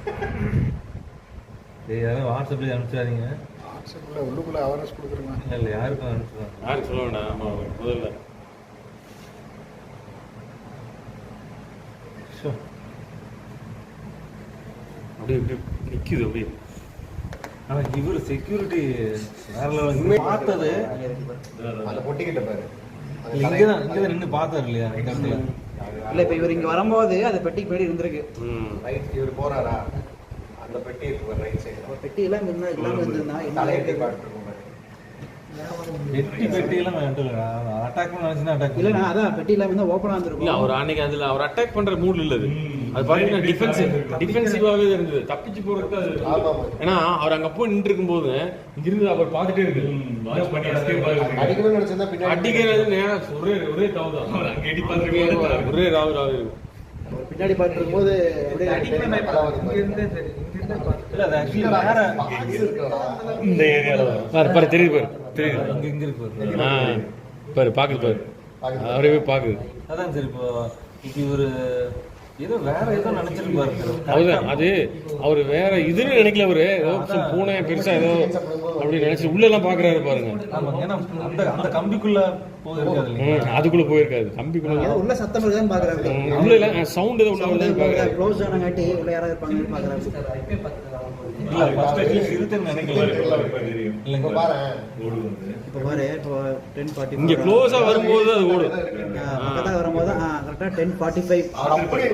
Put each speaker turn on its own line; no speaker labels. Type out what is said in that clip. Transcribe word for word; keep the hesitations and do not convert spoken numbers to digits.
சரி யாரும் வாட்ஸ்அப்ல அனுப்பிச்சாதீங்க.
வாட்ஸ்அப்பில் உள்ளுக்குள்ளே அவேர்னஸ் கொடுக்குறேங்க.
இல்லை இல்லை யாருக்கும் அனுப்பிச்சுவாங்க.
யாருக்கு சொல்ல வேண்டாம். ஆமாம் முதல்ல அப்படியே இப்படி நிற்கிது அப்படியே.
ஆனால் இவர் செக்யூரிட்டி வேற லெவல் பார்த்தது.
அந்த பொட்டிக்கிட்ட பாரு.
இங்கே தான் இங்கே தான் நின்று பார்த்தாரு இல்லையா இந்த இடத்துல.
இல்லை இப்போ இவர் இங்கே வரும்போது அந்த பெட்டிக்கு பின்னாடி இருந்திருக்கு.
ம்
ரைட் இவர் போறாரா அந்த பெட்டி இருக்கு ரைட் சைடு.
ஒரு பெட்டி எல்லாம் இருந்தால் இல்லாமல் இருந்திருந்தா என்ன
தலையெட்டி
ஆகிருக்கு?
காட்டுறோம்.
வெட்டி பெட்டியெல்லாம் அட்டாக் பண்ண நினச்சுன்னா அட்டாக்
இல்லைண்ணா அதான் பெட்டி இல்லாமல் இருந்தால் ஓப்பனாக
இல்ல
இருந்திருக்கும்.
அவர் அன்னைக்கு அதுல அவர் அட்டாக் பண்ற மூட்ல இல்ல அது. அது பாத்தீங்கன்னா டிஃபென்சிவ் டிஃபென்சிவாவே இருந்தது. தப்பிச்சு போறதுக்கு அது.
ஆமா
ஏன்னா அவர் அங்க போய் நின்று இருக்கும்போது இங்கிருந்து அவர் பார்த்துட்டே இருக்கு. வாட்ச் பண்ணி escape ஆகுது.
அடிக்கணும்னு நினைச்சா பின்னாடி
அடிக்கிறது நேரா ஒரே ஒரே தாவு தான். அங்க எடி பார்த்துட்டு ஒரே ராவு ராவு இருக்கு.
அவர் பின்னாடி பார்த்துட்டு இருக்கும்போது அப்படியே
இல்லை அது ஆக்சுவலி வேற
இந்த ஏரியால பாரு பாரு தெரியுது பாரு தெரியுது.
இங்கே இங்கே இருக்கு.
ஆ பாரு பாக்குது பாரு அவரே பாக்குது.
அதான் சரி இப்போ இப்போ இவர் ஏதோ வேற ஏதோ நினைச்சிருப்பாரு.
அதுதான் அது அவர் வேற இதுன்னு நினைக்கல. அவரு ஏதோ பூனை பெருசா ஏதோ அப்படி நினைச்சு உள்ள எல்லாம் பாக்குறாரு பாருங்க.
ஆமாம் ஏன்னா அந்த அந்த கம்பிக்குள்ள போயிருக்காது இல்லையா.
ம், அதுக்குள்ள போயிருக்காது கம்பிக்குள்ள.
ஏதோ உள்ள சத்தம் இருக்குதான்னு பார்க்குறாரு.
ம், உள்ள இல்ல சவுண்ட் ஏதோ உள்ள வருதுன்னு பாக்குறாரு.
க்ளோஸ் ஆனங்காட்டி உள்ள யாராவது இருப்பாங்கன்னு பார்க்குறாரு.
இல்லை ஃபர்ஸ்ட் அட்லீஸ்ட் இருக்குன்னு நினைக்கல இல்லைங்க.
பாரு
இப்போ பாரு இப்போ டென் ஃபார்ட்டி
இங்க க்ளோஸா வரும்போது அது ஓடும்.
பக்கத்தாக வரும்போது ஆ கரெக்டாக டென் ஃபார்ட்டி ஃபைவ்
அப்படி